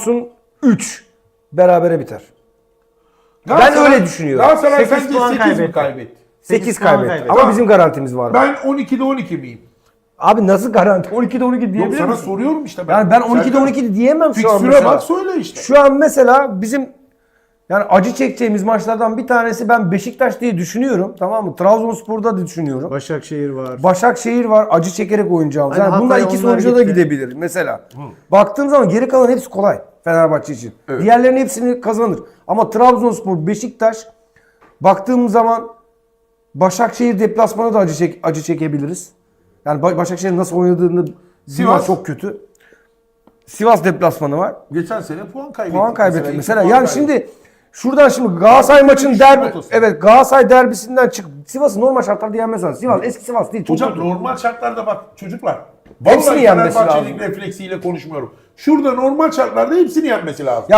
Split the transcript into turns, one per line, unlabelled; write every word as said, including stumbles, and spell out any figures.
Samsun üç berabere biter. Ben
Galatasaray-
öyle düşünüyorum.
Galatasaray
sekiz
sence
puan
sekiz mi
kaybetti.
kaybetti?
sekiz
puan
kaybetti.
kaybetti.
Ama
Tamam.
bizim garantimiz var.
Ben on ikide on iki miyim?
Abi nasıl garanti? on ikide on iki
Yok
diyebilir
sana
misin?
soruyorum işte ben.
Yani ben on ikide
Serkan,
on iki diyemem şu an
Fikstüre
mesela.
bak söyle işte.
Şu an mesela bizim yani acı çekeceğimiz maçlardan bir tanesi ben Beşiktaş diye düşünüyorum. Tamam mı? Trabzonspor'da da düşünüyorum.
Başakşehir var.
Başakşehir var. Acı çekerek oynayacağımız.
Hani
Yani bunlar
Hatay,
iki
onlar
sonuca da
gitti.
gidebilir mesela. Baktığım zaman geri kalan hepsi kolay Fenerbahçe için.
Evet.
Diğerlerinin hepsini kazanır. Ama Trabzonspor, Beşiktaş baktığım zaman Başakşehir deplasmanı da acı çek acı çekebiliriz. Yani Ba- Başakşehir'in nasıl oynadığını
Sivas.
Sivas çok kötü. Sivas deplasmanı var.
Geçen sene puan kaybetti.
Puan kaybetti.
iki
Mesela
puan
yani
kaybetti.
şimdi şuradan şimdi Galatasaray maçın
düşüş
derbi
notası.
evet Galatasaray derbisinden çık Sivas'ı normal şartlarda yenmez lazım. Sivas eski Sivas değil. Çok
Hocam
kötü.
normal şartlarda bak çocuklar.
Hepsini
Vallahi
yenmesi
Fenerbahçe'nin
lazım.
refleksiyle konuşmuyorum. Şurada normal şartlarda hepsini yenmesi lazım.
Ya